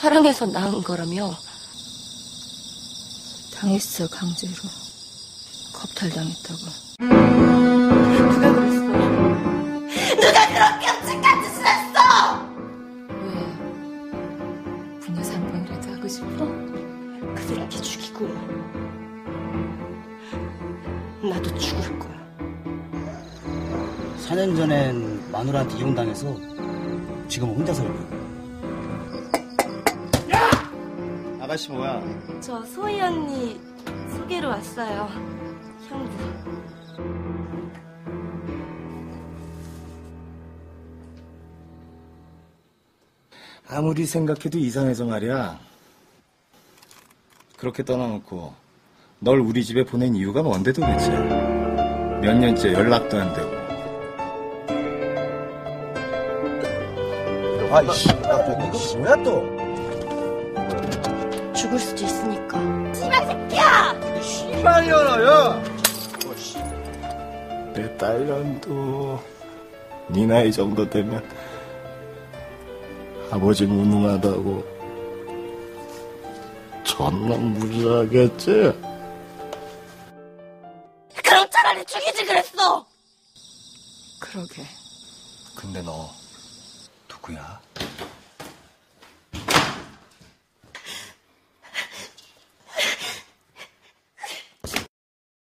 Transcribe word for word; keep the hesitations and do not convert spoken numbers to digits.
사랑해서 낳은 거라며. 당했어, 강제로. 겁탈당했다고. 누가 그랬어? 누가 그렇게 끔찍한 짓을 했어! 왜? 분여사 한 번이라도 하고 싶어? 그들한테 죽이고 나도 죽을 거야. 사 년 전엔 마누라한테 이혼당해서 지금은 혼자 살고. 야! 아가씨 뭐야? 저 소희 언니 소개로 왔어요. 형부. 아무리 생각해도 이상해서 말이야. 그렇게 떠나놓고 널 우리 집에 보낸 이유가 뭔데 도대체? 몇 년째 연락도 안 되고. 아이씨, 이거 뭐야 또? 죽을 수도 있으니까. 씨발 새끼야! 씨발년아, 야! 내 딸년도 네 나이 정도 되면 아버지 무능하다고 존나 무시하겠지? 그럼 차라리 죽이지 그랬어! 그러게. 근데 너 누구야?